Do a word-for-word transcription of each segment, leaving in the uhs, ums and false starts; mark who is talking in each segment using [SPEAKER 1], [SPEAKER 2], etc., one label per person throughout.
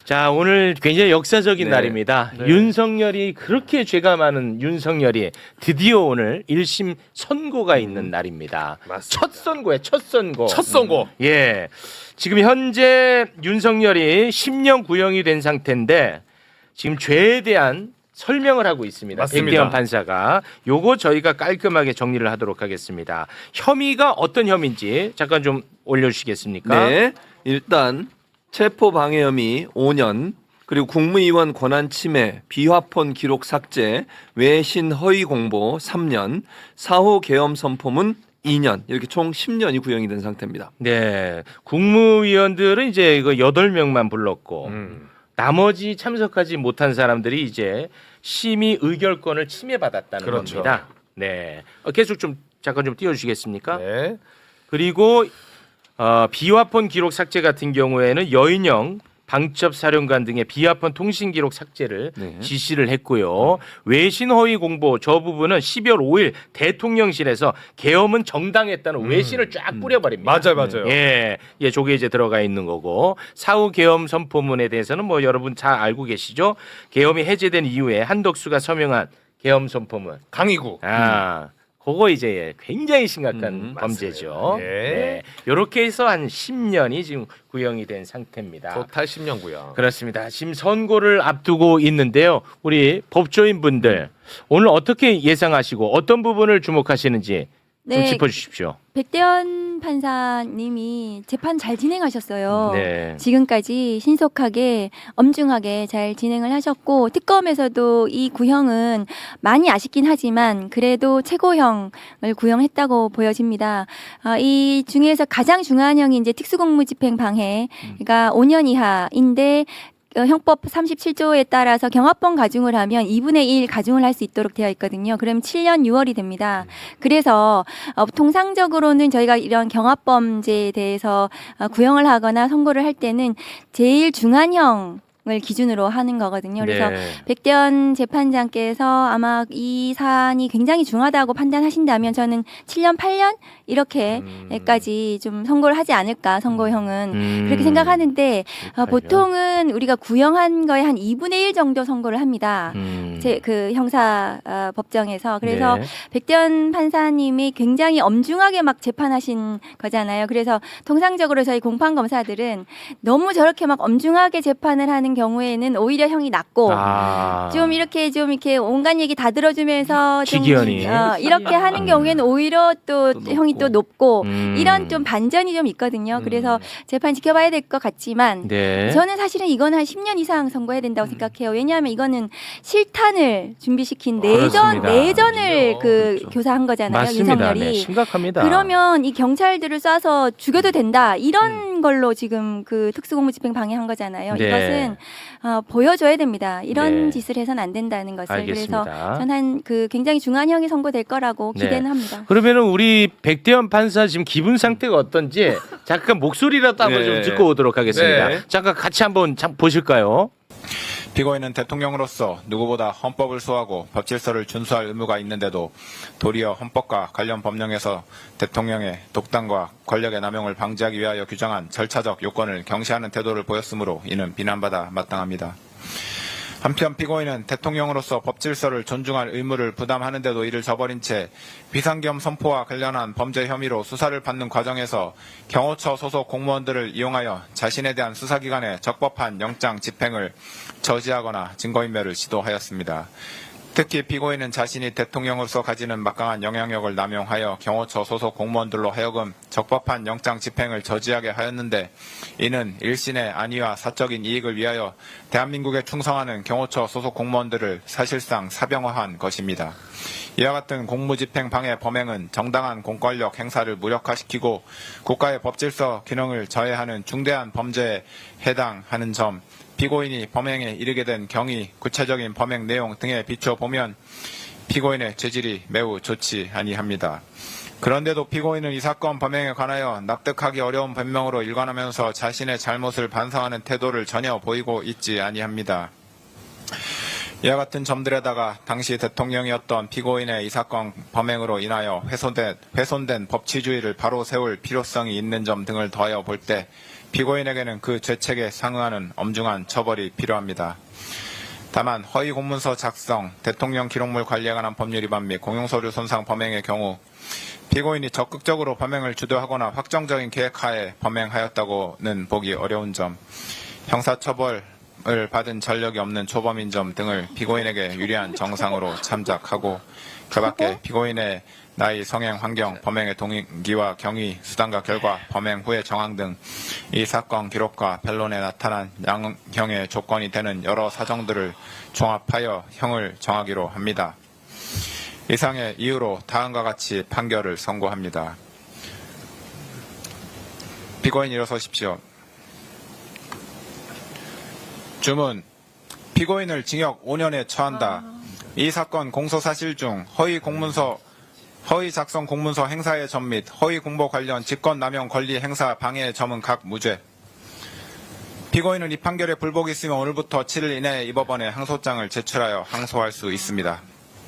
[SPEAKER 1] 자, 오늘 굉장히 역사적인
[SPEAKER 2] 네.
[SPEAKER 1] 날입니다.
[SPEAKER 3] 네.
[SPEAKER 1] 윤석열이 그렇게 죄가 많은 윤석열이 드디어 오늘 일 심 선고가 있는 날입니다.
[SPEAKER 3] 맞습니다.
[SPEAKER 1] 첫 선고에 첫 선고.
[SPEAKER 3] 첫 선고.
[SPEAKER 1] 예. 지금 현재 윤석열이 십 년 구형이 된 상태인데 지금 죄에 대한 설명을 하고 있습니다.
[SPEAKER 3] 맞습니다.
[SPEAKER 1] 백대현 판사가 요거 저희가 깔끔하게 정리를 하도록 하겠습니다. 혐의가 어떤 혐의인지 잠깐 좀 올려주시겠습니까?
[SPEAKER 2] 네, 일단 체포 방해 혐의 오 년, 그리고 국무위원 권한 침해, 비화폰 기록 삭제, 외신 허위 공보 삼 년, 사호 계엄 선포문 이 년, 이렇게 총 십 년이 구형이 된 상태입니다.
[SPEAKER 1] 네, 국무위원들은 이제 이거 여덟 명만 불렀고
[SPEAKER 3] 음.
[SPEAKER 1] 나머지 참석하지 못한 사람들이 이제 심의 의결권을 침해받았다는
[SPEAKER 3] 그렇죠.
[SPEAKER 1] 겁니다. 네, 어, 계속 좀 잠깐 좀 띄워주시겠습니까?
[SPEAKER 3] 네.
[SPEAKER 1] 그리고 어, 비화폰 기록 삭제 같은 경우에는 여인영 방첩 사령관 등의 비화폰 통신 기록 삭제를
[SPEAKER 2] 네.
[SPEAKER 1] 지시를 했고요. 외신 허위 공보 저 부분은 십이월 오일 대통령실에서 계엄은 정당했다는 외신을 쫙 뿌려버립니다.
[SPEAKER 3] 맞아요, 맞아요.
[SPEAKER 1] 예, 예, 저게 이제 들어가 있는 거고 사후 계엄 선포문에 대해서는 뭐 여러분 잘 알고 계시죠? 계엄이 해제된 이후에 한덕수가 서명한 계엄 선포문.
[SPEAKER 3] 강의구.
[SPEAKER 1] 아, 그거 이제 굉장히 심각한
[SPEAKER 2] 음,
[SPEAKER 1] 범죄죠.
[SPEAKER 3] 맞습니다. 예.
[SPEAKER 1] 네. 이렇게 해서 한 십 년이 지금 구형이 된 상태입니다.
[SPEAKER 3] 토탈 십 년 구형.
[SPEAKER 1] 그렇습니다. 지금 선고를 앞두고 있는데요. 우리 법조인 분들 오늘 어떻게 예상하시고 어떤 부분을 주목하시는지 좀
[SPEAKER 4] 네.
[SPEAKER 1] 짚어주십시오.
[SPEAKER 4] 백대현 판사님이 재판 잘 진행하셨어요.
[SPEAKER 1] 네.
[SPEAKER 4] 지금까지 신속하게 엄중하게 잘 진행을 하셨고 특검에서도 이 구형은 많이 아쉽긴 하지만 그래도 최고형을 구형했다고 보여집니다. 아, 이 중에서 가장 중요한 형이 이제 특수공무집행 방해가 오 년 이하인데 어, 형법 삼십칠 조에 따라서 경합범 가중을 하면 이분의 일 가중을 할 수 있도록 되어 있거든요. 그럼 칠 년 유월이 됩니다. 그래서 어, 통상적으로는 저희가 이런 경합범죄에 대해서 어, 구형을 하거나 선고를 할 때는 제일 중한형 을 기준으로 하는 거거든요. 그래서
[SPEAKER 1] 네.
[SPEAKER 4] 백대현 재판장께서 아마 이 사안이 굉장히 중하다고 판단하신다면 저는 칠 년, 팔 년 이렇게까지 좀 선고를 하지 않을까 선고형은
[SPEAKER 1] 음.
[SPEAKER 4] 그렇게 생각하는데 어,
[SPEAKER 1] 그렇군요.
[SPEAKER 4] 보통은 우리가 구형한 거에 한 이분의 일 정도 선고를 합니다.
[SPEAKER 1] 음.
[SPEAKER 4] 제 그 형사 어, 법정에서 그래서
[SPEAKER 1] 네.
[SPEAKER 4] 백대현 판사님이 굉장히 엄중하게 막 재판하신 거잖아요. 그래서 통상적으로 저희 공판 검사들은 너무 저렇게 막 엄중하게 재판을 하는 경우에는 오히려 형이 낮고
[SPEAKER 1] 아.
[SPEAKER 4] 좀 이렇게 좀 이렇게 온갖 얘기 다 들어주면서 좀
[SPEAKER 1] 기기현이.
[SPEAKER 4] 어, 이렇게 하는 경우에는 오히려 또,
[SPEAKER 2] 또
[SPEAKER 4] 형이
[SPEAKER 2] 높고.
[SPEAKER 4] 또 높고
[SPEAKER 1] 음.
[SPEAKER 4] 이런 좀 반전이 좀 있거든요.
[SPEAKER 2] 음.
[SPEAKER 4] 그래서 재판 지켜봐야 될 것 같지만
[SPEAKER 1] 네.
[SPEAKER 4] 저는 사실은 이건 한 십 년 이상 선고해야 된다고 생각해요. 왜냐하면 이거는 실탄을 준비시킨 내전
[SPEAKER 1] 그렇습니다.
[SPEAKER 4] 내전을 그
[SPEAKER 2] 그렇죠.
[SPEAKER 4] 교사한 거잖아요.
[SPEAKER 1] 맞습니다.
[SPEAKER 4] 윤석열이.
[SPEAKER 1] 네, 심각합니다.
[SPEAKER 4] 그러면 이 경찰들을 쏴서 죽여도 된다 이런 걸로 지금 그 특수공무집행 방해한 거잖아요.
[SPEAKER 1] 네.
[SPEAKER 4] 이것은 어, 보여줘야 됩니다. 이런
[SPEAKER 1] 네.
[SPEAKER 4] 짓을 해서는 안 된다는 것을.
[SPEAKER 1] 알겠습니다.
[SPEAKER 4] 그래서 저는 그 굉장히 중한 형이 선고될 거라고
[SPEAKER 1] 네.
[SPEAKER 4] 기대는 합니다.
[SPEAKER 1] 그러면은 우리 백대현 판사 지금 기분 상태가 어떤지 잠깐 목소리라도 한번
[SPEAKER 2] 네.
[SPEAKER 1] 좀 듣고 오도록 하겠습니다.
[SPEAKER 3] 네.
[SPEAKER 1] 잠깐 같이 한번 참 보실까요?
[SPEAKER 5] 피고인은 대통령으로서 누구보다 헌법을 수호하고 법질서를 준수할 의무가 있는데도 도리어 헌법과 관련 법령에서 대통령의 독단과 권력의 남용을 방지하기 위하여 규정한 절차적 요건을 경시하는 태도를 보였으므로 이는 비난받아 마땅합니다. 한편 피고인은 대통령으로서 법질서를 존중할 의무를 부담하는데도 이를 저버린 채 비상계엄 선포와 관련한 범죄 혐의로 수사를 받는 과정에서 경호처 소속 공무원들을 이용하여 자신에 대한 수사기관의 적법한 영장 집행을 저지하거나 증거인멸을 시도하였습니다. 특히 피고인은 자신이 대통령으로서 가지는 막강한 영향력을 남용하여 경호처 소속 공무원들로 하여금 적법한 영장 집행을 저지하게 하였는데 이는 일신의 안위와 사적인 이익을 위하여 대한민국에 충성하는 경호처 소속 공무원들을 사실상 사병화한 것입니다. 이와 같은 공무집행 방해 범행은 정당한 공권력 행사를 무력화시키고 국가의 법질서 기능을 저해하는 중대한 범죄에 해당하는 점, 피고인이 범행에 이르게 된 경위, 구체적인 범행 내용 등에 비춰보면 피고인의 죄질이 매우 좋지 아니합니다. 그런데도 피고인은 이 사건 범행에 관하여 납득하기 어려운 변명으로 일관하면서 자신의 잘못을 반성하는 태도를 전혀 보이고 있지 아니합니다. 이와 같은 점들에다가 당시 대통령이었던 피고인의 이 사건 범행으로 인하여 훼손된, 훼손된 법치주의를 바로 세울 필요성이 있는 점 등을 더하여 볼 때 피고인에게는 그 죄책에 상응하는 엄중한 처벌이 필요합니다. 다만 허위 공문서 작성, 대통령 기록물 관리에 관한 법률 위반 및 공용서류 손상 범행의 경우 피고인이 적극적으로 범행을 주도하거나 확정적인 계획하에 범행하였다고는 보기 어려운 점, 형사처벌을 받은 전력이 없는 초범인 점 등을 피고인에게 유리한 정상으로 참작하고 그 밖에 피고인의 나이, 성행, 환경, 범행의 동기와 경위, 수단과 결과, 범행 후의 정황 등 이 사건 기록과 변론에 나타난 양형의 조건이 되는 여러 사정들을 종합하여 형을 정하기로 합니다. 이상의 이유로 다음과 같이 판결을 선고합니다. 피고인 일어서십시오. 주문. 피고인을 징역 오 년에 처한다. 이 사건 공소사실 중 허위 공문서 허위 작성 공문서 행사의 점 및 허위 공보 관련 직권남용 권리 행사 방해의 점은 각 무죄. 피고인은 이 판결에 불복이 있으면 오늘부터 칠 일 이내에 이 법원에 항소장을 제출하여 항소할 수 있습니다.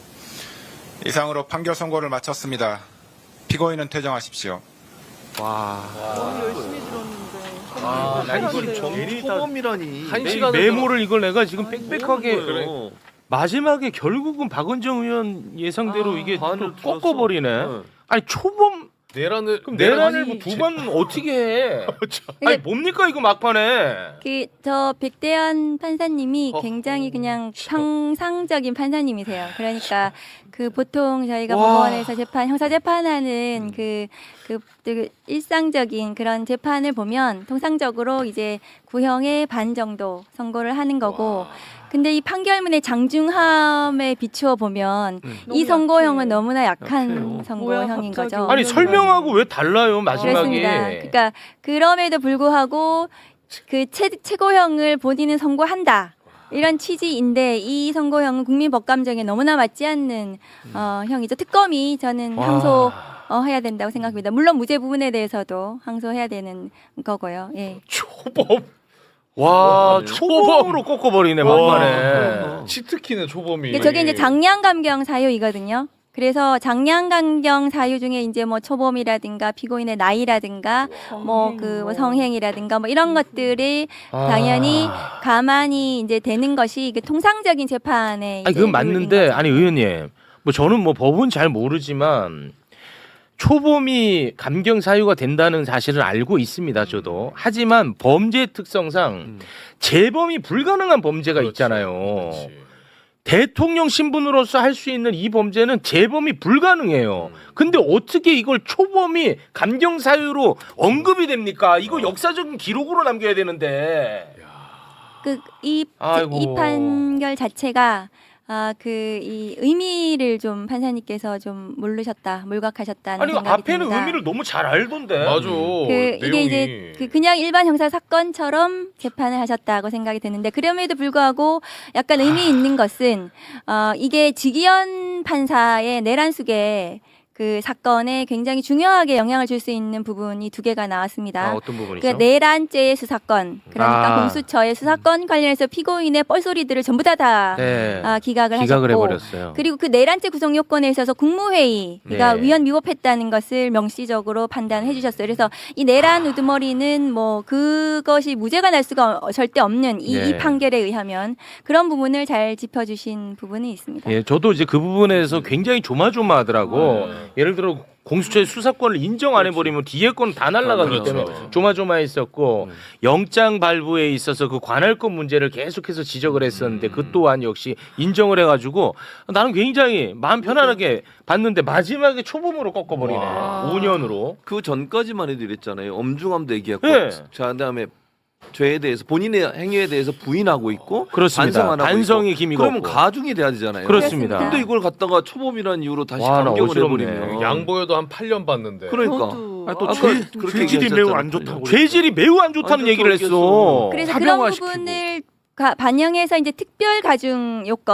[SPEAKER 5] 이상으로 판결 선고를 마쳤습니다. 피고인은 퇴정하십시오.
[SPEAKER 2] 와.
[SPEAKER 3] 너무 열심히 들었는데.
[SPEAKER 1] 아, 나 이걸
[SPEAKER 2] 정초범이라니.
[SPEAKER 1] 한 시간 메모를 이걸 내가 지금 빽빽하게
[SPEAKER 2] 그래.
[SPEAKER 1] 마지막에 결국은 박은정 의원 예상대로
[SPEAKER 3] 아,
[SPEAKER 1] 이게 또
[SPEAKER 2] 반을
[SPEAKER 1] 꺾어버리네.
[SPEAKER 2] 들었어.
[SPEAKER 1] 아니 초범
[SPEAKER 6] 내란을
[SPEAKER 1] 그럼 내란을 뭐 두 번 어떻게 해? 아니 뭡니까 이거 막판에?
[SPEAKER 4] 그 저 백대현 판사님이
[SPEAKER 1] 어허,
[SPEAKER 4] 굉장히 그냥
[SPEAKER 1] 참.
[SPEAKER 4] 평상적인 판사님이세요. 그러니까 그 보통 저희가
[SPEAKER 1] 와.
[SPEAKER 4] 법원에서 재판 형사 재판하는 그, 그, 그 일상적인 그런 재판을 보면 통상적으로 이제 구형의 반 정도 선고를 하는 거고. 근데 이 판결문의 장중함에 비추어 보면 이
[SPEAKER 3] 너무
[SPEAKER 4] 선고형은
[SPEAKER 3] 약해.
[SPEAKER 4] 너무나 약한
[SPEAKER 2] 약해요.
[SPEAKER 4] 선고형인
[SPEAKER 3] 뭐야, 갑자기.
[SPEAKER 4] 거죠.
[SPEAKER 1] 아니 설명하고 왜 달라요 마지막에?
[SPEAKER 4] 그렇습니다. 그러니까 그럼에도 불구하고 그 최, 최고형을 본인은 선고한다. 이런 취지인데 이 선고형은 국민 법감정에 너무나 맞지 않는 어, 형이죠. 특검이 저는
[SPEAKER 1] 와.
[SPEAKER 4] 항소 어, 해야 된다고 생각합니다. 물론 무죄 부분에 대해서도 항소해야 되는 거고요. 예.
[SPEAKER 1] 초범. 와
[SPEAKER 2] 와,
[SPEAKER 1] 초범으로 꺾어버리네 막판에.
[SPEAKER 6] 치트키는 초범이.
[SPEAKER 4] 근데 저게 이제 장량감경 사유이거든요. 그래서 장량감경 사유 중에 이제 뭐 초범이라든가 피고인의 나이라든가 뭐 그 뭐 성행이라든가 뭐 이런 것들이
[SPEAKER 1] 아.
[SPEAKER 4] 당연히 가만히 이제 되는 것이 이게 통상적인 재판에
[SPEAKER 1] 아니
[SPEAKER 4] 이제
[SPEAKER 1] 그건
[SPEAKER 4] 룰인
[SPEAKER 1] 맞는데
[SPEAKER 4] 거죠.
[SPEAKER 1] 아니 의원님 뭐 저는 뭐 법은 잘 모르지만 초범이 감경 사유가 된다는 사실을 알고 있습니다 저도. 하지만 범죄 특성상
[SPEAKER 2] 음.
[SPEAKER 1] 재범이 불가능한 범죄가
[SPEAKER 6] 그렇지,
[SPEAKER 1] 있잖아요.
[SPEAKER 6] 그렇지.
[SPEAKER 1] 대통령 신분으로서 할 수 있는 이 범죄는 재범이 불가능해요. 근데 어떻게 이걸 초범이 감경 사유로 언급이 됩니까? 이거 역사적인 기록으로 남겨야 되는데.
[SPEAKER 4] 그이
[SPEAKER 1] 아이고.
[SPEAKER 4] 이 판결 자체가 아 그 이 의미를 좀 판사님께서 좀 모르셨다, 몰각하셨다는
[SPEAKER 1] 아니
[SPEAKER 4] 생각이
[SPEAKER 1] 앞에는
[SPEAKER 4] 듭니다.
[SPEAKER 1] 의미를 너무 잘 알던데.
[SPEAKER 6] 맞아.
[SPEAKER 4] 그
[SPEAKER 6] 내용이.
[SPEAKER 4] 이게 이제 그 그냥 일반 형사 사건처럼 재판을 하셨다고 생각이 드는데 그럼에도 불구하고 약간 의미 있는 것은 어 이게 지기현 판사의 내란숙의 그 사건에 굉장히 중요하게 영향을 줄 수 있는 부분이 두 개가 나왔습니다.
[SPEAKER 1] 아, 어떤 부분이죠?
[SPEAKER 4] 그 내란죄의 수사건, 그러니까
[SPEAKER 1] 아.
[SPEAKER 4] 공수처의 수사건 관련해서 피고인의 뻘소리들을 전부 다 다
[SPEAKER 1] 네.
[SPEAKER 4] 아, 기각을,
[SPEAKER 1] 기각을
[SPEAKER 4] 하셨고,
[SPEAKER 1] 해버렸어요.
[SPEAKER 4] 그리고 그 내란죄 구성 요건에 있어서 국무회의가
[SPEAKER 1] 네.
[SPEAKER 4] 위헌 위법했다는 것을 명시적으로 판단해 주셨어요. 그래서 이 내란 우두머리는 뭐 그것이 무죄가 날 수가 어- 절대 없는 이,
[SPEAKER 1] 네.
[SPEAKER 4] 이 판결에 의하면 그런 부분을 잘 짚어주신 부분이 있습니다.
[SPEAKER 1] 예, 저도 이제 그 부분에서 굉장히 조마조마하더라고.
[SPEAKER 6] 네.
[SPEAKER 1] 예를 들어 공수처의 수사권을 인정 안 해버리면 뒤에 건 다 날라가기
[SPEAKER 6] 그렇죠.
[SPEAKER 1] 때문에
[SPEAKER 6] 그렇죠.
[SPEAKER 1] 조마조마했었고
[SPEAKER 2] 음.
[SPEAKER 1] 영장 발부에 있어서 그 관할권 문제를 계속해서 지적을 했었는데
[SPEAKER 6] 음.
[SPEAKER 1] 그 또한 역시 인정을 해가지고 나는 굉장히 마음 편안하게 봤는데 마지막에 초범으로 꺾어버리네.
[SPEAKER 6] 와.
[SPEAKER 1] 오 년으로.
[SPEAKER 2] 그 전까지만 해도 이랬잖아요. 엄중함도 얘기했고,
[SPEAKER 1] 네.
[SPEAKER 2] 자 그다음에 죄에 대해서 본인의 행위에 대해서 부인하고 있고,
[SPEAKER 1] 그렇습니다.
[SPEAKER 2] 반성 안 하고
[SPEAKER 1] 반성이
[SPEAKER 2] 있고.
[SPEAKER 1] 기미가
[SPEAKER 2] 그러면
[SPEAKER 1] 없고.
[SPEAKER 2] 가중이 돼야 되잖아요.
[SPEAKER 1] 그렇습니다.
[SPEAKER 2] 근데 이걸 갖다가 초범이라는 이유로 다시
[SPEAKER 1] 와, 나
[SPEAKER 2] 감경을
[SPEAKER 1] 어지럽네.
[SPEAKER 2] 해버리면
[SPEAKER 6] 양보여도 한 팔 년 받는데.
[SPEAKER 2] 그러니까
[SPEAKER 3] 저도.
[SPEAKER 2] 아니, 또
[SPEAKER 3] 아,
[SPEAKER 2] 죄,
[SPEAKER 3] 그
[SPEAKER 2] 그렇게
[SPEAKER 7] 죄질이 매우 안
[SPEAKER 2] 얘기하셨잖아요.
[SPEAKER 7] 좋다고
[SPEAKER 1] 죄질이 매우 안 좋다는
[SPEAKER 2] 완전
[SPEAKER 1] 얘기를 했어.
[SPEAKER 2] 좋겠어.
[SPEAKER 4] 그래서 그런
[SPEAKER 7] 사병화시키고.
[SPEAKER 4] 부분을 가- 반영해서 이제 특별 가중 요건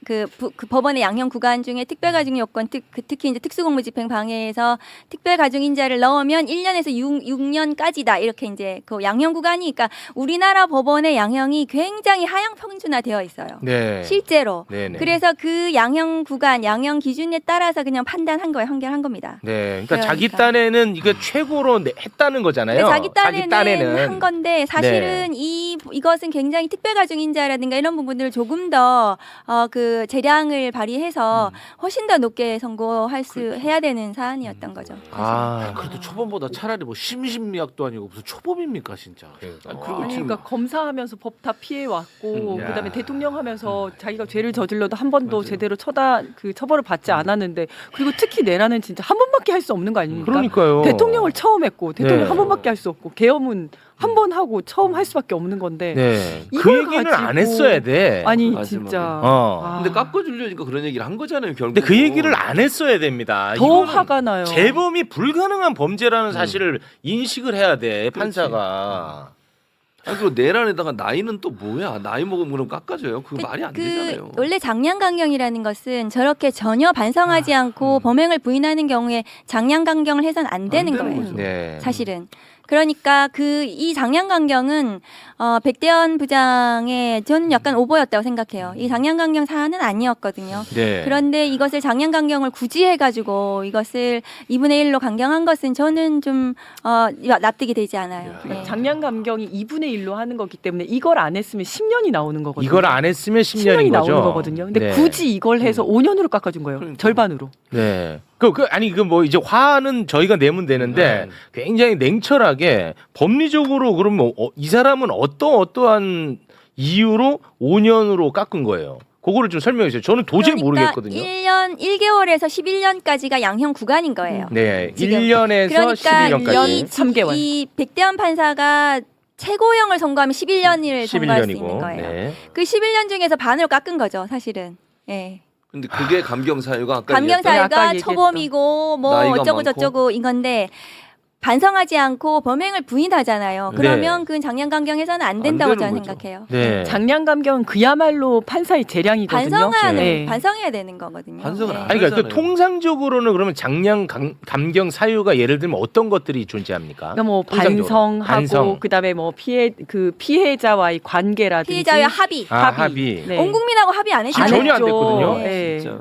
[SPEAKER 4] 그, 부, 그 법원의 양형 구간 중에 특별가중 요건 특, 그 특히 이제 특수공무집행 방해에서 특별가중인자를 넣으면 일 년에서 육, 육 년까지다 이렇게 이제 그 양형 구간이 그러니까 우리나라 법원의 양형이 굉장히 하향 평준화되어 있어요.
[SPEAKER 1] 네.
[SPEAKER 4] 실제로.
[SPEAKER 1] 네네.
[SPEAKER 4] 그래서 그 양형 구간, 양형 기준에 따라서 그냥 판단한 거예요. 판결한 겁니다.
[SPEAKER 1] 네. 그러니까 자기
[SPEAKER 4] 그러니까.
[SPEAKER 1] 딴에는 이거 최고로 내- 했다는 거잖아요.
[SPEAKER 4] 근데 자기 딴에는,
[SPEAKER 1] 딴에는.
[SPEAKER 4] 한 건데 사실은 이 이것은 굉장히 특별가중인자라든가 이런 부분들을 조금 더 어 그 재량을 발휘해서 훨씬 더 높게 선고할 수 해야 되는 사안이었던 거죠.
[SPEAKER 1] 아.
[SPEAKER 3] 그래도 초범보다 차라리 뭐 심심미약도 아니고 무슨 초범입니까 진짜.
[SPEAKER 6] 그러니까.
[SPEAKER 2] 아, 그리고
[SPEAKER 7] 아니,
[SPEAKER 2] 지금
[SPEAKER 7] 그러니까 검사하면서 법 다 피해 왔고
[SPEAKER 3] 음,
[SPEAKER 7] 그다음에
[SPEAKER 3] 야.
[SPEAKER 7] 대통령 하면서 자기가 죄를 저질러도 한 번도
[SPEAKER 3] 맞아요.
[SPEAKER 7] 제대로 처다 그 처벌을 받지 않았는데 그리고 특히 내란은 진짜 한 번밖에 할 수 없는 거 아닙니까?
[SPEAKER 1] 그러니까요.
[SPEAKER 7] 대통령을 처음 했고 대통령
[SPEAKER 1] 네.
[SPEAKER 7] 한 번밖에 할 수 없고 계엄은 한 번 하고 처음 할 수밖에 없는 건데
[SPEAKER 1] 네. 그
[SPEAKER 7] 이걸
[SPEAKER 1] 얘기는 안
[SPEAKER 7] 가지고-
[SPEAKER 1] 했어야 돼.
[SPEAKER 7] 아니
[SPEAKER 2] 마지막에.
[SPEAKER 7] 진짜
[SPEAKER 1] 어.
[SPEAKER 7] 아,
[SPEAKER 2] 근데 깎아주려니까 그런 얘기를 한 거잖아요 결국.
[SPEAKER 1] 근데 그 얘기를 안 했어야 됩니다.
[SPEAKER 7] 더
[SPEAKER 1] 이거는
[SPEAKER 7] 화가 나요.
[SPEAKER 1] 재범이 불가능한 범죄라는
[SPEAKER 2] 음.
[SPEAKER 1] 사실을 인식을 해야 돼 판사가.
[SPEAKER 2] 아니 그리고 내란에다가 나이는 또 뭐야? 나이 먹으면 그럼 깎아줘요? 그거
[SPEAKER 4] 그-
[SPEAKER 2] 말이 안
[SPEAKER 4] 그
[SPEAKER 2] 되잖아요.
[SPEAKER 4] 원래 장량강경이라는 것은 저렇게 전혀 반성하지 않고 범행을 부인하는 경우에 장량강경을 해서는 안 되는
[SPEAKER 2] 되는
[SPEAKER 4] 거예요.
[SPEAKER 2] 거죠.
[SPEAKER 1] 네.
[SPEAKER 4] 사실은. 그러니까 그 이 장량강경은 어, 백대현 부장의 저는 약간 오버였다고 생각해요. 이 장량강경 사안은 아니었거든요.
[SPEAKER 1] 네.
[SPEAKER 4] 그런데 이것을 장량강경을 굳이 해가지고 이것을 이분의 일로 강경한 것은 저는 좀 어, 납득이 되지 않아요.
[SPEAKER 7] 그러니까
[SPEAKER 4] 네.
[SPEAKER 7] 장량 감경이 이분의 일로 하는 거기 때문에 이걸 안 했으면 십 년이 나오는 거거든요.
[SPEAKER 1] 이걸 안 했으면 십
[SPEAKER 7] 십 년이
[SPEAKER 1] 년인 거죠.
[SPEAKER 7] 나오는 거거든요. 근데
[SPEAKER 1] 네.
[SPEAKER 7] 굳이 이걸 해서 오 년으로 깎아준 거예요.
[SPEAKER 2] 그러니까.
[SPEAKER 7] 절반으로.
[SPEAKER 1] 네. 그, 그 아니 그 뭐 이제 화는 저희가 내면 되는데 굉장히 냉철하게 법리적으로 그러면 어, 이 사람은 어떠 어떠한 이유로 오 년으로 깎은 거예요. 그거를 좀 설명해 주세요. 저는 도저히
[SPEAKER 4] 그러니까
[SPEAKER 1] 모르겠거든요.
[SPEAKER 4] 일 년 일 개월에서 십일 년까지가 양형 구간인 거예요.
[SPEAKER 1] 네.
[SPEAKER 4] 지금.
[SPEAKER 1] 일 년에서
[SPEAKER 4] 그러니까
[SPEAKER 1] 십일 년까지.
[SPEAKER 4] 이,
[SPEAKER 7] 삼 개월.
[SPEAKER 4] 이 백대현 판사가 최고형을 선고하면 십일 년을
[SPEAKER 1] 십일
[SPEAKER 4] 선고할 수 있는
[SPEAKER 1] 년이고.
[SPEAKER 4] 거예요.
[SPEAKER 1] 네.
[SPEAKER 4] 그 십일 년 중에서 반으로 깎은 거죠, 사실은. 예.
[SPEAKER 2] 근데 그게 감경 사유가 아까
[SPEAKER 4] 감경
[SPEAKER 2] 얘기했던
[SPEAKER 7] 아까
[SPEAKER 4] 사유가
[SPEAKER 7] 얘기했던
[SPEAKER 4] 초범이고 뭐
[SPEAKER 2] 나이가
[SPEAKER 4] 어쩌고
[SPEAKER 2] 많고.
[SPEAKER 4] 저쩌고 이건데 반성하지 않고 범행을 부인하잖아요.
[SPEAKER 1] 네.
[SPEAKER 4] 그러면 그건 장량감경해서는 안 된다고
[SPEAKER 2] 안 되는
[SPEAKER 4] 저는
[SPEAKER 2] 거죠.
[SPEAKER 4] 생각해요.
[SPEAKER 1] 네.
[SPEAKER 7] 장량 감경은 그야말로 판사의 재량이거든요.
[SPEAKER 4] 반성하는
[SPEAKER 7] 네.
[SPEAKER 4] 반성해야 되는 거거든요.
[SPEAKER 2] 반성을
[SPEAKER 4] 네.
[SPEAKER 2] 안
[SPEAKER 1] 아니 그러니까 그
[SPEAKER 2] 하잖아요.
[SPEAKER 1] 통상적으로는 그러면 장량 감, 감경 사유가 예를 들면 어떤 것들이 존재합니까?
[SPEAKER 7] 그러니까 뭐
[SPEAKER 1] 통상적으로.
[SPEAKER 7] 반성하고
[SPEAKER 1] 반성.
[SPEAKER 7] 그다음에 뭐 피해 그 피해자와의 관계라든지
[SPEAKER 4] 피해자의 합의.
[SPEAKER 1] 아,
[SPEAKER 7] 합의.
[SPEAKER 1] 합의.
[SPEAKER 7] 네.
[SPEAKER 4] 온 국민하고 합의 안
[SPEAKER 1] 지금
[SPEAKER 4] 했잖아요.
[SPEAKER 1] 전혀 안
[SPEAKER 7] 했죠.
[SPEAKER 1] 됐거든요.
[SPEAKER 7] 네.
[SPEAKER 2] 진짜.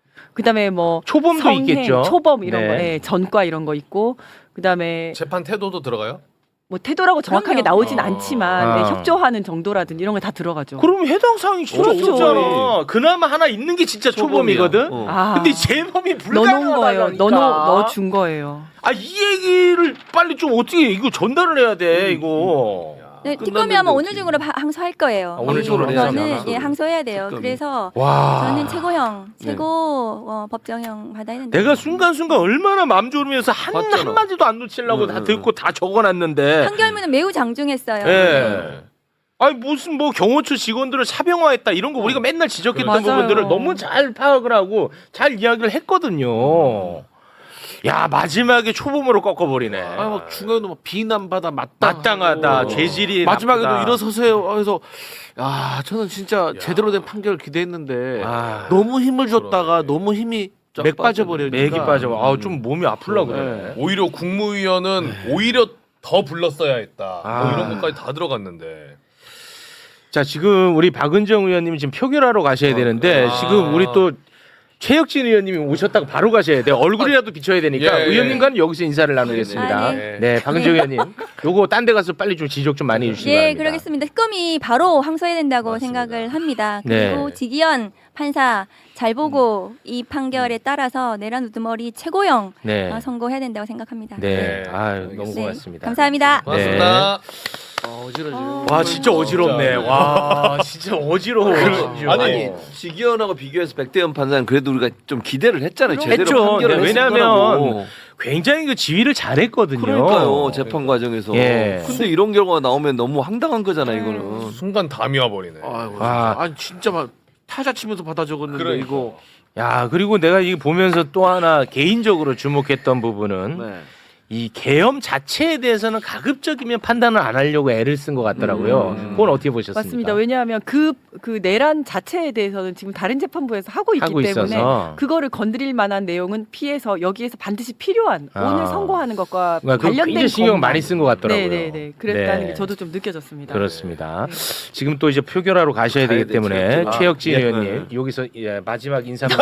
[SPEAKER 7] 그다음에 뭐
[SPEAKER 1] 초범도
[SPEAKER 7] 성행,
[SPEAKER 1] 있겠죠.
[SPEAKER 7] 초범 이런
[SPEAKER 1] 네.
[SPEAKER 7] 거, 예, 전과 이런 거 있고 그다음에
[SPEAKER 6] 재판 태도도 들어가요?
[SPEAKER 7] 뭐 태도라고 정확하게
[SPEAKER 4] 그럼요.
[SPEAKER 7] 나오진
[SPEAKER 6] 어.
[SPEAKER 7] 않지만
[SPEAKER 1] 아.
[SPEAKER 7] 네, 협조하는 정도라든지 이런 거 다 들어가죠.
[SPEAKER 1] 그러면 해당 사항이 진짜
[SPEAKER 7] 없죠.
[SPEAKER 1] 없잖아. 그나마 하나 있는 게 진짜 초범이거든.
[SPEAKER 2] 어.
[SPEAKER 7] 아,
[SPEAKER 1] 근데 재범이
[SPEAKER 7] 넣어놓은 거예요.
[SPEAKER 1] 불가능하다니까.
[SPEAKER 7] 넣어 넣어준 거예요.
[SPEAKER 1] 아, 이 얘기를 빨리 좀 어떻게 이거 전달을 해야 돼 이거.
[SPEAKER 4] 네,
[SPEAKER 2] 끝났는데
[SPEAKER 4] 특검이 아마 오늘
[SPEAKER 2] 어떻게.
[SPEAKER 4] 중으로 하- 항소할 거예요.
[SPEAKER 1] 아, 오늘 중으로
[SPEAKER 2] 해야죠.
[SPEAKER 4] 저는
[SPEAKER 2] 항소를.
[SPEAKER 4] 예, 항소해야 돼요.
[SPEAKER 2] 특검이.
[SPEAKER 4] 그래서
[SPEAKER 1] 와.
[SPEAKER 4] 저는 최고형,
[SPEAKER 2] 네.
[SPEAKER 4] 최고 어, 법정형 받아야 된다.
[SPEAKER 1] 내가 순간순간 얼마나 마음 졸으면서 한
[SPEAKER 2] 봤잖아.
[SPEAKER 1] 한마디도 안 놓치려고
[SPEAKER 2] 응,
[SPEAKER 1] 다
[SPEAKER 2] 응,
[SPEAKER 1] 듣고 다 적어놨는데.
[SPEAKER 4] 판결문은 매우 장중했어요.
[SPEAKER 1] 예. 아니 무슨 뭐 경호처 직원들을 사병화했다 이런 거 우리가 맨날 지적했던
[SPEAKER 7] 맞아요.
[SPEAKER 1] 부분들을 너무 잘 파악을 하고 잘 이야기를 했거든요. 야 마지막에 초범으로 꺾어버리네.
[SPEAKER 3] 아니 막 중간에도 막 비난받아 마땅
[SPEAKER 1] 마땅하다, 죄질이
[SPEAKER 3] 마지막에도
[SPEAKER 1] 나쁘다.
[SPEAKER 3] 일어서세요. 그래서 야 저는 진짜 제대로 된 판결을 기대했는데
[SPEAKER 1] 아.
[SPEAKER 3] 너무 힘을 줬다가 너무 힘이
[SPEAKER 2] 쫙
[SPEAKER 3] 맥 빠져버리니까
[SPEAKER 1] 맥이 빠져. 아좀 몸이 아플라 그러네.
[SPEAKER 3] 네.
[SPEAKER 6] 오히려 국무위원은 오히려 더 불렀어야 했다.
[SPEAKER 1] 아.
[SPEAKER 6] 뭐 이런 것까지 다 들어갔는데.
[SPEAKER 1] 자 지금 우리 박은정 의원님이 지금 표결하러 가셔야 되는데
[SPEAKER 6] 아.
[SPEAKER 1] 지금 우리 또 최혁진 의원님이 오셨다가 바로 가셔야 돼요. 얼굴이라도 비춰야 되니까
[SPEAKER 6] 예, 예.
[SPEAKER 1] 의원님과는 여기서 인사를 나누겠습니다.
[SPEAKER 4] 아,
[SPEAKER 1] 네.
[SPEAKER 6] 네.
[SPEAKER 1] 박은정 의원님 요거 딴 데 가서 빨리 좀 지적 좀 많이 해주시기
[SPEAKER 4] 예,
[SPEAKER 1] 바랍니다.
[SPEAKER 4] 그러겠습니다. 특검이 바로 항소해야 된다고
[SPEAKER 6] 맞습니다.
[SPEAKER 4] 생각을 합니다.
[SPEAKER 1] 네.
[SPEAKER 4] 그리고 지기현 판사 잘 보고 이 판결에 따라서 내란 우두머리 최고형
[SPEAKER 1] 네.
[SPEAKER 4] 어, 선고해야 된다고 생각합니다.
[SPEAKER 1] 네.
[SPEAKER 6] 네.
[SPEAKER 1] 아 너무
[SPEAKER 6] 알겠습니다.
[SPEAKER 1] 고맙습니다.
[SPEAKER 4] 감사합니다.
[SPEAKER 6] 고맙습니다.
[SPEAKER 3] 아, 어지러지네.
[SPEAKER 1] 와 진짜 어지럽네.
[SPEAKER 6] 진짜.
[SPEAKER 1] 와 진짜 어지러워. 진짜.
[SPEAKER 2] 아니 지기현하고 비교해서 백대현 판사는 그래도 우리가 좀 기대를 했잖아요. 제대로
[SPEAKER 1] 했죠.
[SPEAKER 2] 판결을
[SPEAKER 1] 네,
[SPEAKER 2] 했을
[SPEAKER 1] 왜냐하면
[SPEAKER 2] 거라고.
[SPEAKER 1] 굉장히 그 지휘를 잘했거든요.
[SPEAKER 2] 그러니까요 재판 과정에서.
[SPEAKER 1] 예.
[SPEAKER 2] 근데 이런 결과가 나오면 너무 황당한 거잖아 이거는.
[SPEAKER 6] 순간 담이 와버리네.
[SPEAKER 3] 아이고,
[SPEAKER 1] 아.
[SPEAKER 3] 아, 아니 진짜 막 타자 치면서 받아 적었는데
[SPEAKER 6] 그러니까.
[SPEAKER 3] 이거
[SPEAKER 1] 야 그리고 내가 이게 보면서 또 하나 개인적으로 주목했던 부분은
[SPEAKER 3] 네.
[SPEAKER 1] 이 계엄 자체에 대해서는 가급적이면 판단을 안 하려고 애를 쓴 것 같더라고요.
[SPEAKER 2] 음.
[SPEAKER 1] 그건 어떻게 보셨습니까?
[SPEAKER 7] 맞습니다. 왜냐하면 그, 그 내란 자체에 대해서는 지금 다른 재판부에서 하고 있기
[SPEAKER 1] 하고
[SPEAKER 7] 때문에
[SPEAKER 1] 있어서.
[SPEAKER 7] 그거를 건드릴 만한 내용은 피해서 여기에서 반드시 필요한
[SPEAKER 1] 아.
[SPEAKER 7] 오늘 선고하는 것과
[SPEAKER 1] 그러니까 그거
[SPEAKER 7] 관련된
[SPEAKER 1] 굉장히 신경
[SPEAKER 7] 것만.
[SPEAKER 1] 많이 쓴 것 같더라고요.
[SPEAKER 7] 네네네. 그랬다는
[SPEAKER 1] 네.
[SPEAKER 7] 게 저도 좀 느껴졌습니다.
[SPEAKER 1] 그렇습니다.
[SPEAKER 7] 네.
[SPEAKER 1] 지금 또 이제 표결하러 가셔야
[SPEAKER 2] 가야
[SPEAKER 1] 되기
[SPEAKER 2] 돼,
[SPEAKER 1] 때문에
[SPEAKER 2] 최혁진. 아,
[SPEAKER 1] 최혁진
[SPEAKER 2] 예.
[SPEAKER 1] 의원님 여기서 예, 마지막 인사만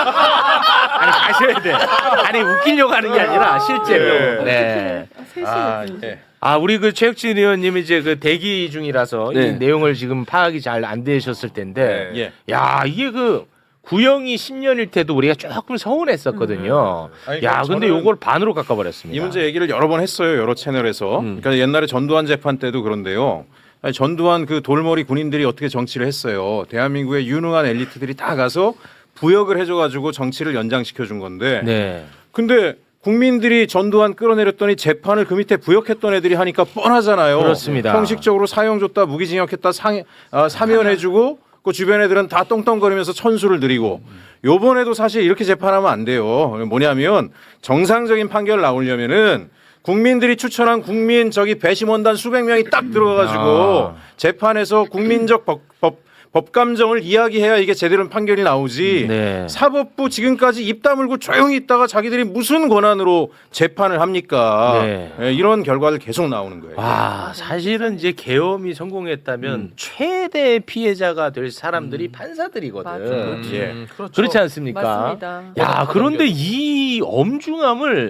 [SPEAKER 1] 아니 가셔야 돼. 아니 웃기려고 하는 게 아니라 실제로. 네.
[SPEAKER 7] 셋이
[SPEAKER 1] 아,
[SPEAKER 7] 됐는지.
[SPEAKER 1] 예. 아 우리 그 최혁진 의원님이 이제 그 대기 중이라서
[SPEAKER 2] 네.
[SPEAKER 1] 이 내용을 지금 파악이 잘 안 되셨을 텐데,
[SPEAKER 6] 예.
[SPEAKER 1] 야 이게 그 구형이 십 년일 때도 우리가 조금 서운했었거든요.
[SPEAKER 8] 아니,
[SPEAKER 1] 야
[SPEAKER 8] 그러니까
[SPEAKER 1] 근데
[SPEAKER 8] 저는
[SPEAKER 1] 요걸 반으로 깎아버렸습니다.
[SPEAKER 8] 이 문제 얘기를 여러 번 했어요. 여러 채널에서.
[SPEAKER 2] 음.
[SPEAKER 8] 그러니까 옛날에 전두환 재판 때도 그런데요. 아니, 전두환 그 돌머리 군인들이 어떻게 정치를 했어요. 대한민국의 유능한 엘리트들이 다 가서 부역을 해줘가지고 정치를 연장시켜 준 건데.
[SPEAKER 1] 네.
[SPEAKER 8] 근데 국민들이 전두환 끌어내렸더니 재판을 그 밑에 부역했던 애들이 하니까 뻔하잖아요.
[SPEAKER 1] 그렇습니다.
[SPEAKER 8] 형식적으로 사형 줬다, 무기징역했다, 상, 아, 사면해주고 그 주변 애들은 다 똥똥거리면서 천수를 드리고 요번에도 사실 이렇게 재판하면 안 돼요. 뭐냐면 정상적인 판결 나오려면은 국민들이 추천한 국민 저기 배심원단 수백 명이 딱 들어가가지고
[SPEAKER 1] 아.
[SPEAKER 8] 재판에서 국민적 법, 법, 법감정을 이야기해야 이게 제대로 판결이 나오지.
[SPEAKER 1] 네.
[SPEAKER 8] 사법부 지금까지 입 다물고 조용히 있다가 자기들이 무슨 권한으로 재판을 합니까?
[SPEAKER 1] 네.
[SPEAKER 8] 예, 이런 결과를 계속 나오는 거예요.
[SPEAKER 1] 와 사실은 이제 계엄이 성공했다면
[SPEAKER 2] 음.
[SPEAKER 1] 최대 피해자가 될 사람들이 판사들이거든.
[SPEAKER 7] 맞아요.
[SPEAKER 8] 예.
[SPEAKER 6] 음, 그렇죠.
[SPEAKER 1] 그렇지 않습니까?
[SPEAKER 7] 맞습니다.
[SPEAKER 1] 야 그런데 이 엄중함을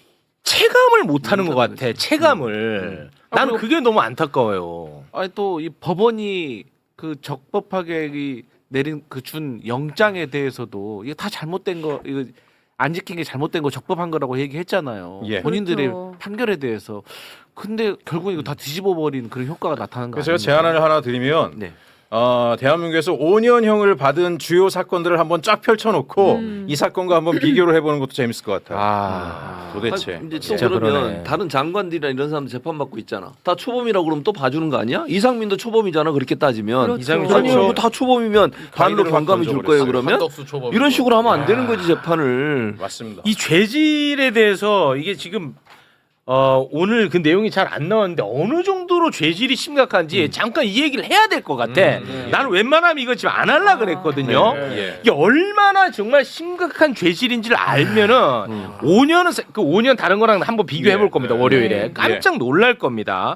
[SPEAKER 1] 체감을 못하는 것 같아. 체감을. 나는 그게 너무 안타까워요.
[SPEAKER 3] 아니 또 이 법원이 그 적법하게 내린 그 준 영장에 대해서도 이게 다 잘못된 거 이거 안 지킨 게 잘못된 거 적법한 거라고 얘기했잖아요.
[SPEAKER 8] 예.
[SPEAKER 3] 본인들의
[SPEAKER 7] 그렇죠.
[SPEAKER 3] 판결에 대해서. 근데 결국 이거 다 뒤집어 버린 그런 효과가 나타나는 거
[SPEAKER 8] 그래서 제가
[SPEAKER 3] 아닙니까?
[SPEAKER 8] 제안을 하나 드리면
[SPEAKER 3] 네.
[SPEAKER 8] 어, 대한민국에서 오 년형을 받은 주요 사건들을 한번 쫙 펼쳐놓고
[SPEAKER 7] 음.
[SPEAKER 8] 이 사건과 한번 비교를 해보는 것도 재밌을 것 같아요.
[SPEAKER 1] 아.
[SPEAKER 8] 도대체.
[SPEAKER 2] 아니, 이제 또
[SPEAKER 1] 진짜
[SPEAKER 2] 그러면
[SPEAKER 1] 그러네.
[SPEAKER 2] 다른 장관들이나 이런 사람들 재판 받고 있잖아. 다 초범이라고 그러면 또 봐주는 거 아니야? 이상민도 초범이잖아. 그렇게 따지면.
[SPEAKER 7] 그렇죠.
[SPEAKER 1] 이상민
[SPEAKER 2] 아니
[SPEAKER 1] 그렇죠.
[SPEAKER 2] 뭐다 초범이면 반로
[SPEAKER 8] 가이드를
[SPEAKER 2] 경감이 줄 거예요.
[SPEAKER 8] 던져버렸어요.
[SPEAKER 2] 그러면
[SPEAKER 6] 한덕수 초범
[SPEAKER 2] 이런 식으로 하면 안 되는 거지 재판을.
[SPEAKER 8] 맞습니다.
[SPEAKER 1] 이 죄질에 대해서 이게 지금 어, 오늘 그 내용이 잘 안 나왔는데 어느 정도로 죄질이 심각한지 잠깐 이 얘기를 해야 될 것 같아. 나는 웬만하면 이거 지금 안 하려 그랬거든요.
[SPEAKER 8] 네. 예.
[SPEAKER 1] 이게 얼마나 정말 심각한 죄질인지를 알면은 오 년은 그 오 년 다른 거랑 한번 비교해 볼
[SPEAKER 8] 네,
[SPEAKER 1] 겁니다.
[SPEAKER 8] 네.
[SPEAKER 1] 월요일에
[SPEAKER 7] 네.
[SPEAKER 1] 깜짝 놀랄 겁니다.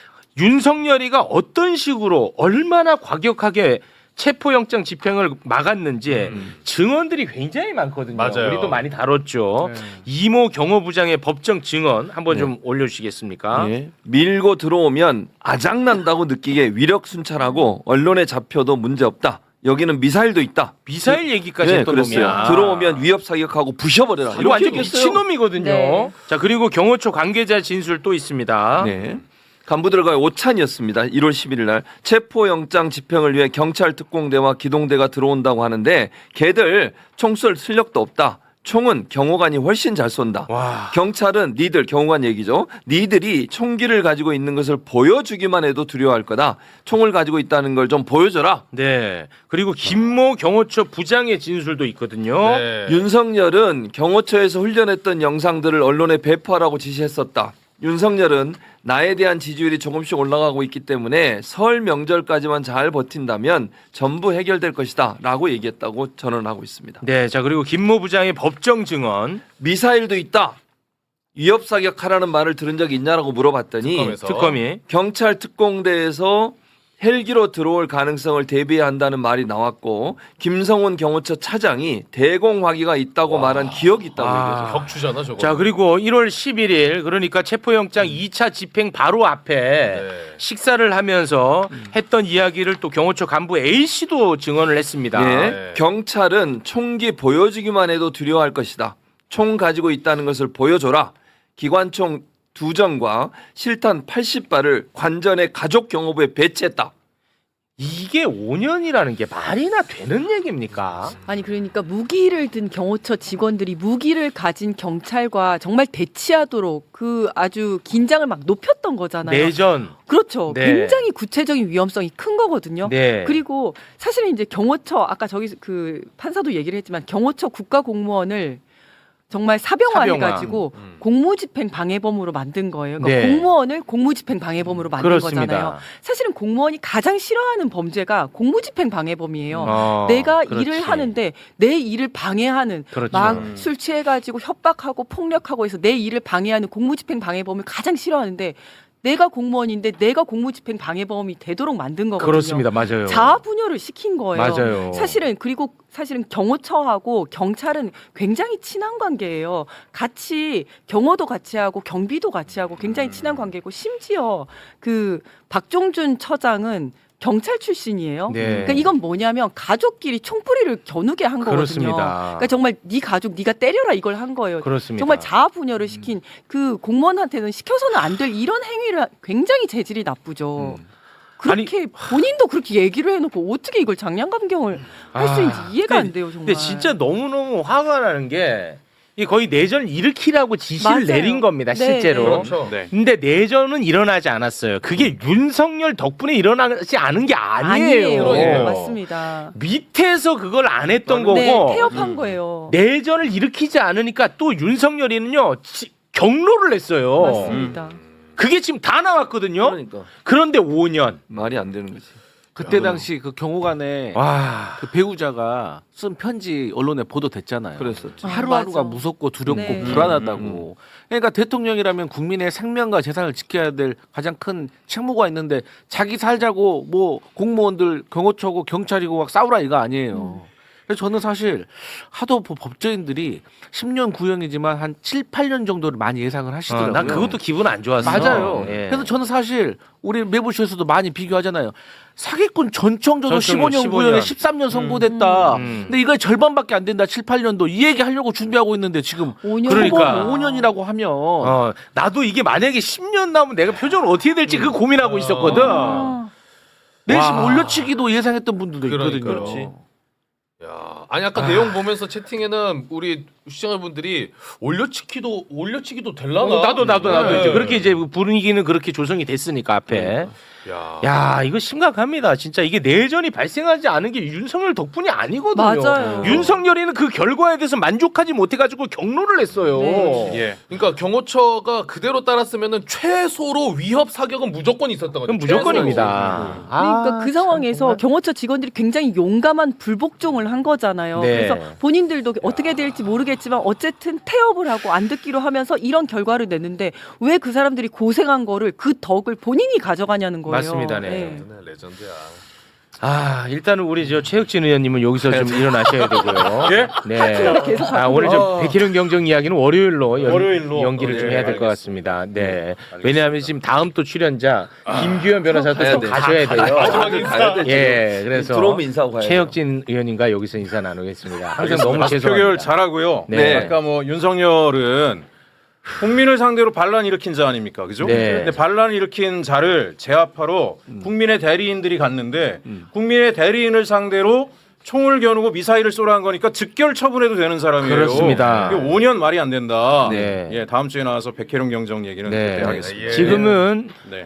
[SPEAKER 1] 윤석열이가 어떤 식으로 얼마나 과격하게 체포영장 집행을 막았는지 증언들이 굉장히 많거든요.
[SPEAKER 6] 맞아요.
[SPEAKER 1] 우리도 많이 다뤘죠.
[SPEAKER 3] 네.
[SPEAKER 1] 이모 경호부장의 법정 증언 한번 좀 올려주시겠습니까?
[SPEAKER 2] 예. 밀고 들어오면 아작난다고 느끼게 위력 순찰하고 언론에 잡혀도 문제 없다. 여기는 미사일도 있다.
[SPEAKER 1] 미사일 얘기까지
[SPEAKER 2] 네,
[SPEAKER 1] 했던
[SPEAKER 2] 그랬어요.
[SPEAKER 1] 놈이야.
[SPEAKER 2] 들어오면 위협 사격하고 부셔버려라.
[SPEAKER 1] 이거 완전
[SPEAKER 2] 얘기했어요.
[SPEAKER 1] 미친놈이거든요.
[SPEAKER 7] 네.
[SPEAKER 1] 자 그리고 경호처 관계자 진술 또 있습니다.
[SPEAKER 2] 네. 간부들과의 오찬이었습니다. 일월 십일일 날 체포영장 집행을 위해 경찰 특공대와 기동대가 들어온다고 하는데 걔들 총 쏠 실력도 없다. 총은 경호관이 훨씬 잘 쏜다.
[SPEAKER 1] 와.
[SPEAKER 2] 경찰은 니들 경호관 얘기죠. 니들이 총기를 가지고 있는 것을 보여주기만 해도 두려워할 거다. 총을 가지고 있다는 걸 좀 보여줘라.
[SPEAKER 1] 네. 그리고 김모 경호처 부장의 진술도 있거든요.
[SPEAKER 6] 네.
[SPEAKER 2] 윤석열은 경호처에서 훈련했던 영상들을 언론에 배포하라고 지시했었다. 윤석열은 나에 대한 지지율이 조금씩 올라가고 있기 때문에 설 명절까지만 잘 버틴다면 전부 해결될 것이다 라고 얘기했다고 전언하고 있습니다.
[SPEAKER 1] 네. 자 그리고 김모 부장의 법정 증언.
[SPEAKER 2] 미사일도 있다. 위협 사격하라는 말을 들은 적이 있냐라고 물어봤더니
[SPEAKER 6] 특검에서.
[SPEAKER 1] 특검이.
[SPEAKER 2] 경찰 특공대에서 헬기로 들어올 가능성을 대비해야 한다는 말이 나왔고 김성훈 경호처 차장이 대공화기가 있다고 말한 기억이 있다고
[SPEAKER 1] 아.
[SPEAKER 2] 얘기해서
[SPEAKER 6] 격추잖아 저거.
[SPEAKER 1] 자 그리고 일월 십일일 그러니까 체포영장 이 차 집행 바로 앞에
[SPEAKER 6] 네.
[SPEAKER 1] 식사를 하면서 했던 이야기를 또 경호처 간부 A 씨도 증언을 했습니다.
[SPEAKER 2] 예,
[SPEAKER 6] 네.
[SPEAKER 2] 경찰은 총기 보여주기만 해도 두려워할 것이다. 총 가지고 있다는 것을 보여줘라. 기관총 두 정과 실탄 팔십 발을 관전의 가족 경호부에 배치했다.
[SPEAKER 1] 이게 오 년이라는 게 말이나 되는 얘기입니까?
[SPEAKER 7] 아니 그러니까 무기를 든 경호처 직원들이 무기를 가진 경찰과 정말 대치하도록 그 아주 긴장을 막 높였던 거잖아요.
[SPEAKER 1] 내전.
[SPEAKER 7] 그렇죠.
[SPEAKER 1] 네.
[SPEAKER 7] 굉장히 구체적인 위험성이 큰 거거든요.
[SPEAKER 1] 네.
[SPEAKER 7] 그리고 사실은 이제 경호처 아까 저기 그 판사도 얘기를 했지만 경호처 국가공무원을 정말 사병화
[SPEAKER 1] 사병화.
[SPEAKER 7] 해가지고 공무집행 방해범으로 만든 거예요. 그러니까
[SPEAKER 1] 네.
[SPEAKER 7] 공무원을 공무집행 방해범으로 만든
[SPEAKER 1] 그렇습니다.
[SPEAKER 7] 거잖아요. 사실은 공무원이 가장 싫어하는 범죄가 공무집행 방해범이에요.
[SPEAKER 1] 어,
[SPEAKER 7] 내가
[SPEAKER 1] 그렇지.
[SPEAKER 7] 일을 하는데 내 일을 방해하는
[SPEAKER 1] 그렇죠.
[SPEAKER 7] 막 술 취해가지고 협박하고 폭력하고 해서 내 일을 방해하는 공무집행 방해범을 가장 싫어하는데 내가 공무원인데 내가 공무집행 방해범이 되도록 만든 거거든요.
[SPEAKER 1] 그렇습니다. 맞아요.
[SPEAKER 7] 자아분열을 시킨 거예요.
[SPEAKER 1] 맞아요.
[SPEAKER 7] 사실은 그리고 사실은 경호처하고 경찰은 굉장히 친한 관계예요. 같이 경호도 같이 하고 경비도 같이 하고 굉장히 친한 관계고 심지어 그 박종준 처장은 경찰 출신이에요.
[SPEAKER 1] 네.
[SPEAKER 7] 그러니까 이건 뭐냐면 가족끼리 총뿌리를 겨누게 한 거거든요.
[SPEAKER 1] 그렇습니다.
[SPEAKER 7] 그러니까 정말 네 가족 네가 때려라 이걸 한 거예요.
[SPEAKER 1] 그렇습니다.
[SPEAKER 7] 정말 자아분열을 시킨 그 공무원한테는 시켜서는 안 될 이런 행위를 굉장히 재질이 나쁘죠.
[SPEAKER 1] 음.
[SPEAKER 7] 그렇게 본인도 그렇게 얘기를 해놓고 어떻게 이걸 장량감경을 할 수
[SPEAKER 1] 아,
[SPEAKER 7] 있는지 이해가
[SPEAKER 1] 근데-
[SPEAKER 7] 안 돼요 정말.
[SPEAKER 1] 근데 진짜 너무너무 화가 나는 게 이게 거의 내전을 일으키라고 지시를
[SPEAKER 7] 맞아요.
[SPEAKER 1] 내린 겁니다.
[SPEAKER 7] 네,
[SPEAKER 1] 실제로.
[SPEAKER 7] 네.
[SPEAKER 6] 그렇죠.
[SPEAKER 8] 네.
[SPEAKER 1] 근데 내전은 일어나지 않았어요. 그게 윤석열 덕분에 일어나지 않은 게 아니에요.
[SPEAKER 6] 그러니까요.
[SPEAKER 7] 맞습니다.
[SPEAKER 1] 밑에서 그걸 안 했던
[SPEAKER 7] 네,
[SPEAKER 1] 거고
[SPEAKER 7] 태업한 거예요.
[SPEAKER 1] 내전을 일으키지 않으니까 또 윤석열이는요 지- 경로를 냈어요.
[SPEAKER 7] 맞습니다.
[SPEAKER 1] 그게 지금 다 나왔거든요.
[SPEAKER 2] 그러니까
[SPEAKER 1] 그런데 오 년.
[SPEAKER 2] 말이 안 되는 거지.
[SPEAKER 3] 그때 당시 그 경호관에
[SPEAKER 1] 와.
[SPEAKER 3] 그 배우자가 쓴 편지 언론에 보도됐잖아요.
[SPEAKER 2] 그랬었죠.
[SPEAKER 7] 아,
[SPEAKER 3] 하루하루가
[SPEAKER 7] 맞아.
[SPEAKER 3] 무섭고 두렵고
[SPEAKER 7] 네.
[SPEAKER 3] 불안하다고. 그러니까 대통령이라면 국민의 생명과 재산을 지켜야 될 가장 큰 책무가 있는데 자기 살자고 뭐 공무원들 경호처고 경찰이고 막 싸우라 이거 아니에요. 그래서 저는 사실 하도 뭐 법조인들이 십 년 구형이지만 한 칠, 팔 년 정도를 많이 예상을
[SPEAKER 1] 어,
[SPEAKER 3] 하시더라고요.
[SPEAKER 1] 난 그것도 기분 안 좋았어.
[SPEAKER 3] 맞아요.
[SPEAKER 1] 예.
[SPEAKER 3] 그래서 저는 사실 우리 매부쇼에서도 많이 비교하잖아요. 사기꾼 전청조도
[SPEAKER 1] 전청조
[SPEAKER 3] 십오 년
[SPEAKER 1] 십오 년.
[SPEAKER 3] 구형에 십삼 년 선고됐다.
[SPEAKER 1] 음.
[SPEAKER 3] 근데 이거 절반밖에 안 된다. 칠, 팔 년도 이 얘기 하려고 준비하고 있는데 지금
[SPEAKER 7] 오 년
[SPEAKER 1] 그러니까.
[SPEAKER 3] 오 년이라고 하면
[SPEAKER 1] 어, 나도 이게 만약에 십 년 나오면 내가 표정을 어떻게 될지 그 고민하고 있었거든.
[SPEAKER 7] 아,
[SPEAKER 3] 내심
[SPEAKER 1] 와.
[SPEAKER 3] 올려치기도 예상했던 분들도 있거든요.
[SPEAKER 6] 그러니까요. 야, 아니 아까 내용 보면서 채팅에는 우리 시청자분들이 올려치기도 올려치기도 될라나?
[SPEAKER 1] 어, 나도 나도 나도
[SPEAKER 6] 네.
[SPEAKER 1] 이제 그렇게 이제 분위기는 그렇게 조성이 됐으니까 앞에.
[SPEAKER 6] 야,
[SPEAKER 1] 야 이거 심각합니다. 진짜 이게 내전이 발생하지 않은 게 윤석열 덕분이 아니거든요.
[SPEAKER 7] 맞아요.
[SPEAKER 1] 윤석열이는 그 결과에 대해서 만족하지 못해가지고 경로를 냈어요.
[SPEAKER 7] 네.
[SPEAKER 8] 예.
[SPEAKER 6] 그러니까 경호처가 그대로 따랐으면은 최소로 위협 사격은 무조건 있었던 거죠.
[SPEAKER 1] 그럼 무조건입니다.
[SPEAKER 7] 그러니까
[SPEAKER 1] 아,
[SPEAKER 7] 그 상황에서
[SPEAKER 1] 정말.
[SPEAKER 7] 경호처 직원들이 굉장히 용감한 불복종을 한 거잖아요.
[SPEAKER 1] 네.
[SPEAKER 7] 그래서 본인들도 어떻게 될지 모르겠지만 어쨌든 태업을 하고 안 듣기로 하면서 이런 결과를 냈는데 왜 그 사람들이 고생한 거를 그 덕을 본인이 가져가냐는 거예요.
[SPEAKER 1] 맞습니다, 네.
[SPEAKER 6] 네, 레전드야.
[SPEAKER 1] 아 일단은 우리 저 최혁진 의원님은 여기서 좀 일어나셔야 되고요.
[SPEAKER 8] 예?
[SPEAKER 1] 네.
[SPEAKER 7] 계속
[SPEAKER 1] 아 오늘 저
[SPEAKER 8] 아.
[SPEAKER 1] 백희룡 경정 이야기는 월요일로, 연,
[SPEAKER 8] 월요일로.
[SPEAKER 1] 연기를
[SPEAKER 8] 어,
[SPEAKER 1] 좀
[SPEAKER 8] 예,
[SPEAKER 1] 해야 될 것
[SPEAKER 8] 알겠습니다.
[SPEAKER 1] 같습니다. 네.
[SPEAKER 8] 알겠습니다.
[SPEAKER 1] 왜냐하면 지금 다음 또 출연자 김규현 변호사도
[SPEAKER 2] 가야
[SPEAKER 1] 또
[SPEAKER 2] 돼.
[SPEAKER 1] 가셔야 돼요.
[SPEAKER 2] 다들 가야 돼.
[SPEAKER 1] 예, 그래서
[SPEAKER 2] 들어오면 인사하고 가야
[SPEAKER 1] 최혁진 의원님과 여기서 인사 나누겠습니다. 항상
[SPEAKER 8] 알겠습니다.
[SPEAKER 1] 너무
[SPEAKER 8] 표결
[SPEAKER 1] 죄송합니다.
[SPEAKER 8] 잘하고요.
[SPEAKER 1] 네.
[SPEAKER 8] 아까 뭐 윤석열은 국민을 상대로 반란 일으킨 자 아닙니까, 그죠?
[SPEAKER 1] 네.
[SPEAKER 8] 근데 반란 일으킨 자를 제압하러 국민의 대리인들이 갔는데 국민의 대리인을 상대로 총을 겨누고 미사일을 쏘라는 거니까 즉결 처분해도 되는 사람이에요.
[SPEAKER 1] 그렇습니다.
[SPEAKER 8] 이게 오 년 말이 안 된다.
[SPEAKER 1] 네.
[SPEAKER 8] 예, 다음 주에 나와서 백혜룡 경정 얘기는
[SPEAKER 1] 네.
[SPEAKER 8] 그때 하겠습니다.
[SPEAKER 6] 예.
[SPEAKER 1] 지금은
[SPEAKER 8] 네.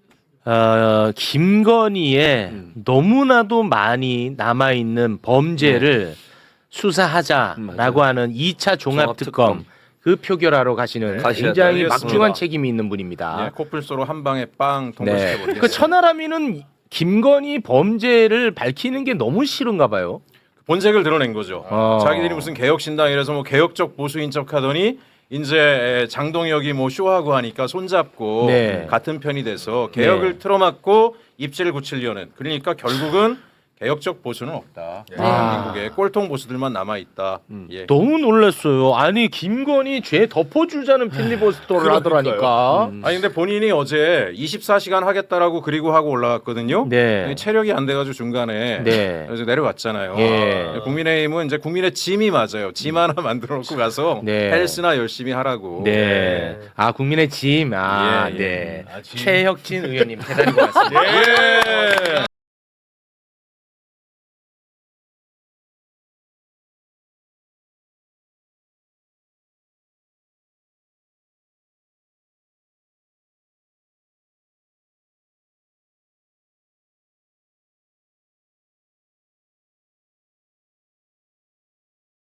[SPEAKER 1] 어, 김건희의
[SPEAKER 2] 음.
[SPEAKER 1] 너무나도 많이 남아 있는 범죄를 수사하자라고
[SPEAKER 2] 음, 맞아요.
[SPEAKER 1] 하는 이 차 종합특검
[SPEAKER 2] 종합특검.
[SPEAKER 1] 그 표결하러 가시는
[SPEAKER 2] 가셔야
[SPEAKER 1] 굉장히
[SPEAKER 8] 돼요.
[SPEAKER 1] 막중한
[SPEAKER 8] 알겠습니다.
[SPEAKER 1] 책임이 있는 분입니다.
[SPEAKER 8] 예, 코뿔소로 한 방에 빵
[SPEAKER 1] 네.
[SPEAKER 8] 통과시켜버리겠습니다.
[SPEAKER 1] 그 천하람이는 김건희 범죄를 밝히는 게 너무 싫은가 봐요.
[SPEAKER 8] 본색을 드러낸 거죠.
[SPEAKER 1] 어.
[SPEAKER 8] 자기들이 무슨 개혁신당이라서 뭐 개혁적 보수인 척하더니 이제 장동혁이 뭐 쇼하고 하니까 손잡고
[SPEAKER 1] 네.
[SPEAKER 8] 같은 편이 돼서 개혁을
[SPEAKER 1] 네.
[SPEAKER 8] 틀어막고 입지를 굳히려는. 그러니까 결국은 개혁적 보수는 없다.
[SPEAKER 7] 네.
[SPEAKER 8] 대한민국에 꼴통 보수들만 남아 있다.
[SPEAKER 1] 음.
[SPEAKER 8] 예.
[SPEAKER 1] 너무 놀랐어요. 아니 김건희 죄 덮어주자는 필리버스터를 하더라니까.
[SPEAKER 2] 음.
[SPEAKER 8] 아니 근데 본인이 어제 이십사 시간 하겠다라고 그리고 하고 올라갔거든요.
[SPEAKER 1] 네.
[SPEAKER 8] 체력이 안 돼가지고 중간에
[SPEAKER 1] 네.
[SPEAKER 8] 그래서 내려왔잖아요.
[SPEAKER 1] 예.
[SPEAKER 8] 국민의힘은 이제 국민의 짐이 맞아요. 짐 하나 만들어 놓고 가서
[SPEAKER 1] 네.
[SPEAKER 8] 헬스나 열심히 하라고.
[SPEAKER 1] 네. 아 국민의 짐. 아
[SPEAKER 8] 예, 예.
[SPEAKER 1] 네.
[SPEAKER 6] 아, 짐.
[SPEAKER 1] 최혁진 의원님 대단히 고맙습니다.
[SPEAKER 8] 예.